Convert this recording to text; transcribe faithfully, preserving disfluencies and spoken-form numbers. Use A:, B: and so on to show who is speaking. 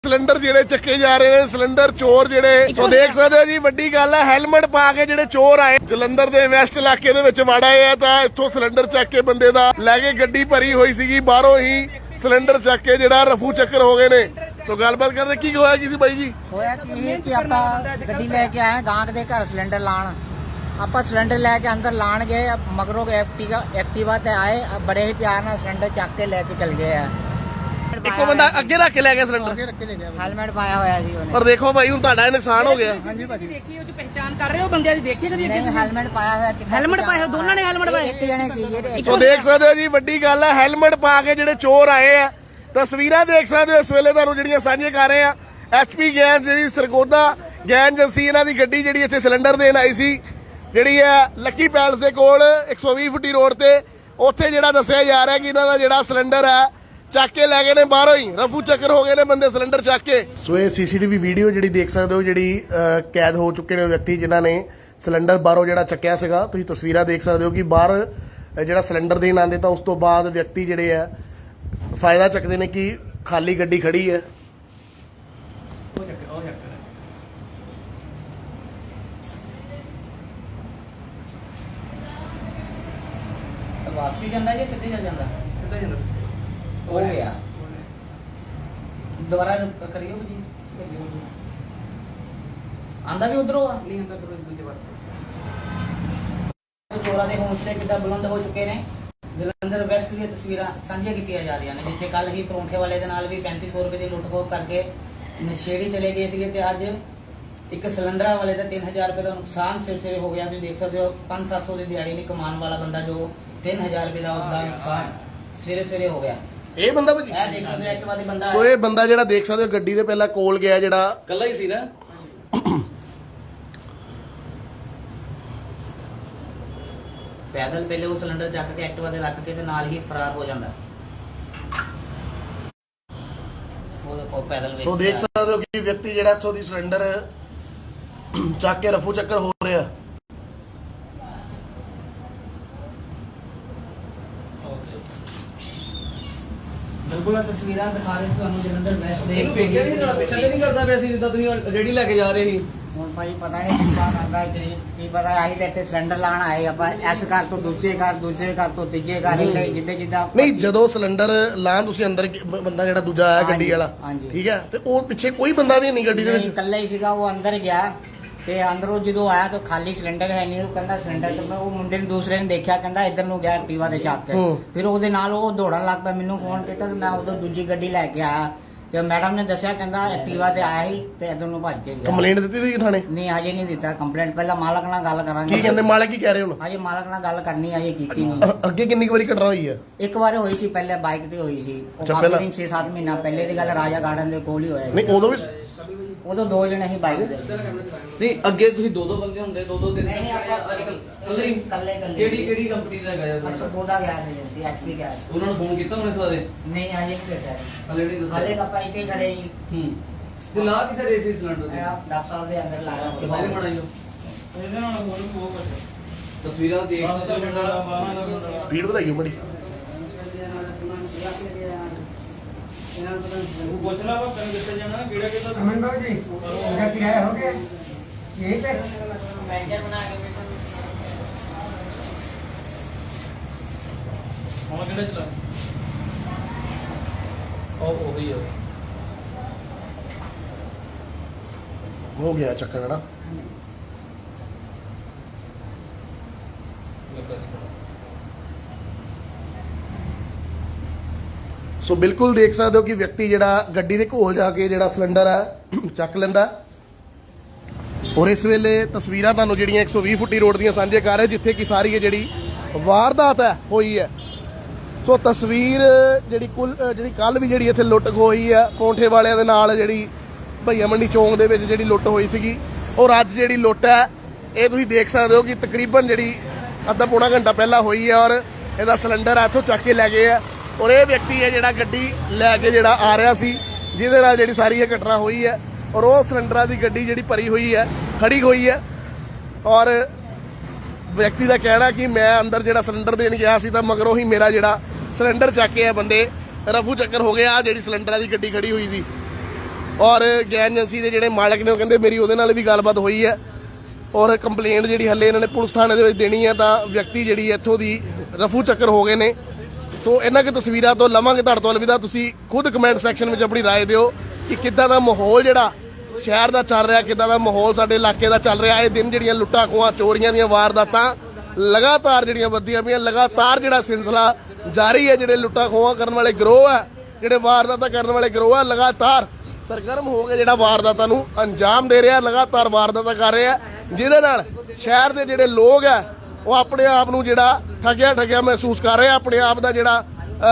A: Cylinder जेडे चक्के जा रहे हैं सिलेंडर चोर जेडे तो देख सकते हो जी वड्डी गल है हेलमेट पा के जेडे चोर आए जलंधर दे वैस्ट इलाके दे विच वड़ आए है तां इत्थों सिलेंडर चक के बंदे दा लैके गड्डी भरी हुई सीगी बाहरों ही सिलेंडर चक के जेड़ा रफू चक्कर हो गए ने तो गलबात करदे की होया की सी बाई जी
B: होया की कि आपां गड्डी लेके आए गांक दे घर सिलेंडर लाण आपां सिलेंडर लेके अंदर लाण गए मगरों एक्टिवा एक्टिवा ते आए बड़े ही प्यार नाल सिलेंडर चक के लेके चल गए है
A: ਇੱਕੋ ਬੰਦਾ ਅੱਗੇ ਰੱਖ ਕੇ ਲੈ ਗਿਆ ਸਿਲੰਡਰ
B: हेलमेट पाया होया जी ਉਹਨੇ
A: ਪਰ ਦੇਖੋ ਭਾਈ ਹੁਣ ਤੁਹਾਡਾ ਇਹ ਨੁਕਸਾਨ ਹੋ ਗਿਆ
C: ਹਾਂਜੀ ਭਾਜੀ ਦੇਖੀ ਉਹ ਚ ਪਹਿਚਾਨ ਕਰ ਰਹੇ ਹੋ ਬੰਦਿਆਂ ਦੀ ਦੇਖੀ ਕਦੀ
B: ਨਹੀਂ ਹੈਲਮਟ ਪਾਇਆ ਹੋਇਆ ਕਿੰਨਾ
C: ਹੈਲਮਟ ਪਾਇਆ ਦੋਨਾਂ ਨੇ ਹੈਲਮਟ ਪਾਇਆ
B: ਇੱਕ ਜਣੇ ਸੀ ਜਿਹੜੇ
A: ਸੋ ਦੇਖ ਸਕਦੇ ਹੋ ਜੀ ਵੱਡੀ ਗੱਲ ਹੈ ਹੈਲਮਟ ਪਾ ਕੇ ਜਿਹੜੇ ਚੋਰ ਆਏ ਆ ਤਸਵੀਰਾਂ ਦੇਖ ਸਕਦੇ ਹੋ ਇਸ ਵੇਲੇ ਤੁਹਾਨੂੰ ਜਿਹੜੀਆਂ ਸਾਂਝੀਆਂ ਕਰ ਰਹੇ ਆ ਐਚਪੀ ਗੈਸ ਜਿਹੜੀ ਸਰਗੋਦਾ ਗੈਸ ਏਜੰਸੀ ਇਹਨਾਂ ਦੀ ਗੱਡੀ ਜਿਹੜੀ ਇੱਥੇ ਸਿਲੰਡਰ ਦੇਣ ਆਈ ਸੀ ਜਿਹੜੀ ਹੈ ਲੱਕੀ ਪੈਲਸ ਦੇ ਕੋਲ ਇੱਕ ਸੌ ਵੀਹ ਫੁੱਟੀ ਰੋਡ ਤੇ ਉੱਥੇ ਜਿਹੜਾ ਦੱਸਿਆ ਜਾ ਰਿਹਾ ਕਿ ਇਹਨਾਂ ਦਾ ਜਿਹੜਾ ਸਿਲੰਡਰ ਹੈ ਚੱਕ ਕੇ ਲੈ ਗਏ ਨੇ ਬਾਹਰੋਂ ਹੀ ਰਫੂ ਚੱਕਰ ਹੋ ਗਏ ਨੇ ਬੰਦੇ ਸਿਲੰਡਰ ਚੱਕ ਕੇ ਸੋ ਇਹ ਸੀਸੀਟੀਵੀ ਵੀਡੀਓ ਜਿਹੜੀ ਦੇਖ ਸਕਦੇ ਹੋ ਜਿਹੜੀ ਕੈਦ ਹੋ ਚੁੱਕੇ ਨੇ ਵਿਅਕਤੀ ਜਿਨ੍ਹਾਂ ਨੇ ਸਿਲੰਡਰ ਬਾਹਰੋਂ ਜਿਹੜਾ ਚੱਕਿਆ ਸੀਗਾ ਤੁਸੀਂ ਤਸਵੀਰਾਂ ਦੇਖ ਸਕਦੇ ਹੋ ਕਿ ਬਾਹਰ ਜਿਹੜਾ ਸਿਲੰਡਰ ਦੇਣ ਆਉਂਦੇ ਤਾਂ ਉਸ ਤੋਂ ਬਾਅਦ ਵਿਅਕਤੀ ਜਿਹੜੇ ਆ ਫਾਇਦਾ ਚੱਕਦੇ ਨੇ ਕਿ ਖਾਲੀ ਗੱਡੀ ਖੜੀ ਹੈ
D: वापसी जाता है सीधे चल जाता हो गया दोबारा करियो जी आंदा भी उधरों नहीं आंदा दूसरे बार चोरा के हौसले कितना बुलंद हो चुके ने जलंधर वैस्ट दी तस्वीरां साझियां कीतियां जा रही ने जिथे कल ही परौंठे वाले दे नाल भी पैंतीस सौ रुपए की लुट खो करके नशेड़ी चले गए थे ते अज एक सिलेंडर वाले का तीन हजार रुपए का नुकसान सिर सिरे हो गया तुम देख सकते हो पांच सत्त सौ की दिहाड़ी नहीं कमान वाला बंदा जो तीन हजार रुपए का उसका नुकसान सवेरे सवेरे हो गया
A: ਇਹ ਬੰਦਾ ਭਾਜੀ
D: ਇਹ ਦੇਖ ਸਕਦੇ ਹੋ ਐਕਟਿਵਾ ਦੇ ਬੰਦਾ
A: ਸੋ ਇਹ ਬੰਦਾ ਜਿਹੜਾ ਦੇਖ ਸਕਦੇ ਹੋ ਗੱਡੀ ਦੇ ਪਹਿਲਾਂ ਕੋਲ ਗਿਆ ਜਿਹੜਾ
D: ਕੱਲਾ ਹੀ ਸੀ ਨਾ ਪੈਦਲ ਪਹਿਲੇ ਉਹ ਸਿਲੰਡਰ ਚੱਕ ਕੇ ਐਕਟਿਵਾ ਤੇ ਰੱਖ ਕੇ ਤੇ ਨਾਲ ਹੀ ਫਰਾਰ ਹੋ ਜਾਂਦਾ ਉਹ ਦੇਖੋ ਪੈਦਲ
A: ਸੋ ਦੇਖ ਸਕਦੇ ਹੋ ਕਿ ਵਿਅਕਤੀ ਜਿਹੜਾ ਇੱਥੋਂ ਦੀ ਸਿਲੰਡਰ ਚੱਕ ਕੇ ਰਫੂ ਚੱਕਰ ਹੋ ਰਿਹਾ
D: ਬਿਲਕੁਲ ਆ ਤਸਵੀਰਾਂ ਦਿਖਾ ਰਹੇ ਸੀ ਤੁਹਾਨੂੰ ਜਲੰਧਰ ਵੈਸਟ ਦੇ
E: ਇੱਕ ਵੇਖਿਆ ਨਹੀਂ ਜਿਹੜਾ ਪਿੱਛੇ ਤੇ ਨਹੀਂ ਕਰਦਾ ਪਿਆ ਸੀ ਜਿੱਦਾਂ ਤੁਸੀਂ ਰੇੜੀ ਲੈ ਕੇ ਜਾ ਰਹੇ ਸੀ
B: ਹੁਣ ਭਾਈ ਪਤਾ ਨਹੀਂ ਕਿੰਨਾ ਕਰਦਾ ਕਿ ਕੀ ਪਤਾ ਆਹੀ ਤੇ ਇੱਥੇ ਸਿਲੰਡਰ ਲਾਣ ਆਏ ਆਪਾਂ ਇਸ ਘਰ ਤੋਂ ਦੂਜੇ ਘਰ ਦੂਜੇ ਘਰ ਤੋਂ ਤੀਜੇ ਘਰ ਇੱਥੇ ਜਿੱਦੇ ਜਿੱਦਾਂ
A: ਨਹੀਂ ਜਦੋਂ ਸਿਲੰਡਰ ਲਾਂ ਤੁਸੀਂ ਅੰਦਰ ਬ- ਬੰਦਾ ਜਿਹੜਾ ਦੂਜਾ ਆਇਆ ਗੱਡੀ ਵਾਲਾ
B: ਹਾਂਜੀ।
A: ਠੀਕ ਹੈ ਤੇ ਉਹ ਪਿੱਛੇ ਕੋਈ ਬੰਦਾ ਵੀ ਨਹੀਂ ਗੱਡੀ ਦੇ
B: ਨਹੀਂ,
A: ਵਿੱਚ
B: ਇਕੱਲਾ ਹੀ ਸੀਗਾ ਉਹ ਅੰਦਰ ਗਿਆ ਤੇ ਅੰਦਰੋਂ ਜਦੋਂ ਆਇਆ ਤਾਂ ਖਾਲੀ ਸਿਲੰਡਰ ਹੈ ਨਹੀਂ ਉਹ ਕਹਿੰਦਾ ਸਿਲੰਡਰ ਤੇ ਮੈਂ ਉਹ ਮੁੰਡੇ ਨੂੰ ਦੂਸਰੇ ਨੇ ਦੇਖਿਆ ਕਹਿੰਦਾ ਇੱਧਰ ਨੂੰ ਗਿਆ ਐਕਟਿਵਾ ਤੇ ਚੱਕ ਕੇ
A: ਹੂੰ।
B: ਫਿਰ ਉਹਦੇ ਨਾਲ ਉਹ ਦੌੜਨ ਲੱਗ ਪਿਆ ਮੈਨੂੰ ਫੋਨ ਕੀਤਾ ਤੇ ਮੈਂ ਉਧਰ ਦੂਜੀ ਗੱਡੀ ਲੈ ਕੇ ਆਇਆ ਤੇ ਮੈਡਮ ਨੇ ਦੱਸਿਆ ਕਹਿੰਦਾ ਐਕਟਿਵਾ ਤੇ ਆਇਆ ਸੀ ਤੇ ਇੱਧਰ ਨੂੰ ਭੱਜ ਕੇ ਗਿਆ
A: ਕੰਪਲੇਂਟ ਦਿੱਤੀ ਤੁਸੀਂ ਥਾਣੇ
B: ਨਹੀਂ ਹਜੇ ਨਹੀਂ ਦਿੱਤਾ ਕੰਪਲੇਂਟ ਪਹਿਲਾਂ ਮਾਲਕ ਨਾਲ ਗੱਲ ਕਰਾਂਗੇ
A: ਕੀ ਕਹਿੰਦੇ ਮਾਲਕ ਕੀ ਕਹਿ ਰਹੇ ਹੁਣ
B: ਹਜੇ ਮਾਲਕ ਨਾਲ ਗੱਲ ਕਰਨੀ ਹਜੇ ਕੀਤੀ ਨਹੀਂ
A: ਅ- ਅੱਗੇ ਕਿੰਨੀ ਕੁ ਵਾਰੀ ਘਟਨਾ ਹੋਈ ਹੈ
B: ਇੱਕ ਵਾਰ ਹੋਈ ਸੀ ਪਹਿਲੇ ਬਾਈਕ ਤੇ ਹੋਈ ਸੀ ਉਹ
A: ਅੱਛਾ,
B: ਕਾਫੀ
A: ਪਹਿਲਾਂ?
B: ਦਿਨ ਛੇ ਸੱਤ ਮਹੀਨਾ ਪਹਿਲੇ ਦੀ ਗੱਲ ਰਾਜਾ ਗਾਰਡਨ ਦੇ ਕੋਲ ਹੀ ਹੋਇਆ ਸੀ
A: ਨਹੀਂ ਉਦੋਂ ਵੀ
B: ਉਦੋਂ ਦੋ ਜਣੇ ਸੀ ਬਾਈਕ ਤੇ
E: ਨਹੀਂ ਅੱਗੇ ਤੁਸੀਂ ਦੋ ਦੋ ਬੰਦੇ ਹੁੰਦੇ ਦੋ ਦੋ ਤਿੰਨ
B: ਨਹੀਂ, ਨਹੀਂ, ਆਪਾਂ
E: ਅੱਜ ਕੱਲ ਕੱਲੇ ਹੀ
B: ਇਕੱਲੇ- ਇਕੱਲੇ।
E: ਕਿਹੜੀ ਕਿਹੜੀ ਕੰਪਨੀ ਦਾ ਹੈਗਾ ਜੀ
B: ਅਸਲ ਬੋਦਾ ਗਿਆ ਸੀ ਐਚਪੀ ਗਿਆ
E: ਉਹਨਾਂ ਨੂੰ ਫੋਨ ਕੀਤਾ ਉਹਨੇ ਸਵਾਰੇ
B: ਨਹੀਂ ਹਜੇ ਨਹੀਂ ਦੱਸਿਆ
E: ਹਲੇ ਨਹੀਂ
B: ਹਾਲੇ
E: ਦੱਸਿਆ
B: ਕੱਪਾ ਇੱਥੇ ਖੜੇ ਜੀ
E: ਹੂੰ ਤੇ ਲਾ ਕਿੱਥੇ ਰਹੇ ਸੀ ਸਿਲੰਡਰ
B: ਮੈਂ ਆਪ ਡਾਕਟਰ ਸਾਹਿਬ ਦੇ ਅੰਦਰ ਲਾਇਆ
E: ਦਿਖਾਈ
B: ਹੋਇਆ
E: ਮੜਾਈਓ ਤਸਵੀਰਾਂ ਦੇਖ ਸਕਦੇ ਹੋ ਜਿਹੜਾ
A: ਸਪੀਡ ਵਧਾਈਓ ਬੜੀ
F: अमन भाव जी क्या किराया हो गया यही पे
D: ਮੈਨੇਜਰ ਬਣਾ ਕੇ
A: ਹੋ ਗਿਆ ਚੱਕਰ ਨਾ ਸੋ ਬਿਲਕੁਲ ਦੇਖ ਸਕਦੇ ਹੋ ਕਿ ਵਿਅਕਤੀ ਜਿਹੜਾ ਗੱਡੀ ਦੇ ਕੋਲ ਜਾ ਕੇ ਜਿਹੜਾ ਸਿਲੰਡਰ ਹੈ ਚੱਕ ਲੈਂਦਾ ਔਰ ਇਸ ਵੇਲੇ ਤਸਵੀਰਾਂ ਤੁਹਾਨੂੰ ਜਿਹੜੀਆਂ ਇੱਕ ਸੌ ਵੀਹ ਫੁੱਟੀ ਰੋਡ ਦੀਆਂ ਸਾਂਝੇ ਕਰ ਰਹੇ ਜਿੱਥੇ ਕਿ ਸਾਰੀ ਇਹ ਜਿਹੜੀ ਵਾਰਦਾਤ ਹੈ ਹੋਈ ਹੈ ਸੋ ਤਸਵੀਰ ਜਿਹੜੀ ਕੁੱਲ ਜਿਹੜੀ ਕੱਲ ਵੀ ਜਿਹੜੀ ਇੱਥੇ ਲੁੱਟ ਹੋਈ ਹੈ ਪੌਂਠੇ ਵਾਲਿਆਂ ਦੇ ਨਾਲ ਜਿਹੜੀ ਭਈਆ ਮੰਡੀ ਚੌਂਕ ਦੇ ਵਿੱਚ ਜਿਹੜੀ ਲੁੱਟ ਹੋਈ ਸੀਗੀ ਔਰ ਅੱਜ ਜਿਹੜੀ ਲੁੱਟ ਹੈ ਇਹ ਤੁਸੀਂ ਦੇਖ ਸਕਦੇ ਹੋ ਕਿ ਤਕਰੀਬਨ ਜਿਹੜੀ ਅੱਧਾ ਪੌਣਾ ਘੰਟਾ ਪਹਿਲਾਂ ਹੋਈ ਹੈ ਔਰ ਇਹਦਾ ਸਿਲੰਡਰ ਆ ਇੱਥੋਂ ਚੱਕ ਕੇ ਲੈ ਗਏ ਆ ਔਰ ਇਹ ਵਿਅਕਤੀ ਹੈ ਜਿਹੜਾ ਗੱਡੀ ਲੈ ਕੇ ਜਿਹੜਾ ਆ ਰਿਹਾ ਸੀ ਜਿਹਦੇ ਨਾਲ ਜਿਹੜੀ ਸਾਰੀ ਇਹ ਘਟਨਾ ਹੋਈ ਹੈ ਔਰ ਉਹ ਸਿਲੰਡਰਾਂ ਦੀ ਗੱਡੀ ਜਿਹੜੀ ਭਰੀ ਹੋਈ ਹੈ ਖੜੀ ਹੋਈ ਹੈ ਔਰ ਵਿਅਕਤੀ ਦਾ ਕਹਿਣਾ ਕਿ ਮੈਂ ਅੰਦਰ ਜਿਹੜਾ ਸਿਲੰਡਰ ਦੇਣ ਗਿਆ ਸੀ ਤਾਂ ਮਗਰੋਂ ਹੀ ਮੇਰਾ ਜਿਹੜਾ ਸਿਲੰਡਰ ਚੱਕ ਕੇ ਆ ਬੰਦੇ ਰਫੂ ਚੱਕਰ ਹੋ ਗਿਆ ਜਿਹੜੀ ਸਿਲੰਡਰਾਂ ਦੀ ਗੱਡੀ ਖੜੀ ਹੋਈ ਸੀ ਔਰ ਗੈਸ ਏਜੰਸੀ ਦੇ ਜਿਹੜੇ ਮਾਲਕ ਨੇ ਉਹ ਕਹਿੰਦੇ ਮੇਰੀ ਉਹਦੇ ਨਾਲ ਵੀ ਗੱਲਬਾਤ ਹੋਈ ਹੈ ਔਰ ਕੰਪਲੇਂਟ ਜਿਹੜੀ ਹੱਲੇ ਇਹਨਾਂ ਨੇ ਪੁਲਿਸ ਥਾਣੇ ਦੇ ਵਿੱਚ ਦੇਣੀ ਹੈ ਤਾਂ ਵਿਅਕਤੀ ਜਿਹੜੀ ਇੱਥੋਂ ਦੀ ਰਫੂ ਚੱਕਰ ਹੋ ਗਏ ਨੇ। ਸੋ ਇਹਨਾਂ ਕਿ ਤਸਵੀਰਾਂ ਤੋਂ ਲਵਾਂਗੇ ਤੁਹਾਡੇ ਤੋਂ ਅਲਵਿਦਾ। ਤੁਸੀਂ ਖੁਦ ਕਮੈਂਟ ਸੈਕਸ਼ਨ ਵਿੱਚ ਆਪਣੀ ਰਾਏ ਦਿਓ ਕਿ ਕਿੱਦਾਂ ਦਾ ਮਾਹੌਲ ਜਿਹੜਾ ਸ਼ਹਿਰ ਦਾ ਚੱਲ ਰਿਹਾ, ਕਿੱਦਾਂ ਦਾ ਮਾਹੌਲ ਸਾਡੇ ਇਲਾਕੇ ਦਾ ਚੱਲ ਰਿਹਾ। ਇਹ ਦਿਨ ਜਿਹੜੀਆਂ ਲੁੱਟਾਂ ਖੋਹਾਂ ਚੋਰੀਆਂ ਦੀਆਂ ਵਾਰਦਾਤਾਂ ਲਗਾਤਾਰ ਜਿਹੜੀਆਂ ਵੱਧਦੀਆਂ ਪਈਆਂ, ਲਗਾਤਾਰ ਜਿਹੜਾ ਸਿਲਸਿਲਾ ਜਾਰੀ ਹੈ। ਜਿਹੜੇ ਲੁੱਟਾਂ ਖੋਹਾਂ ਕਰਨ ਵਾਲੇ ਗਿਰੋਹ ਹੈ, ਜਿਹੜੇ ਵਾਰਦਾਤਾਂ ਕਰਨ ਵਾਲੇ ਗਿਰੋਹ ਹੈ, ਲਗਾਤਾਰ ਸਰਗਰਮ ਹੋ ਕੇ ਜਿਹੜਾ ਵਾਰਦਾਤਾਂ ਨੂੰ ਅੰਜਾਮ ਦੇ ਰਿਹਾ, ਲਗਾਤਾਰ ਵਾਰਦਾਤਾਂ ਕਰ ਰਿਹਾ, ਜਿਹਦੇ ਨਾਲ ਸ਼ਹਿਰ ਦੇ ਜਿਹੜੇ ਲੋਕ ਹੈ ਉਹ ਆਪਣੇ ਆਪ ਨੂੰ ਜਿਹੜਾ ਠੱਗਿਆ ਠੱਗਿਆ ਮਹਿਸੂਸ ਕਰ ਰਹੇ ਆ। ਆਪਣੇ ਆਪ ਦਾ ਜਿਹੜਾ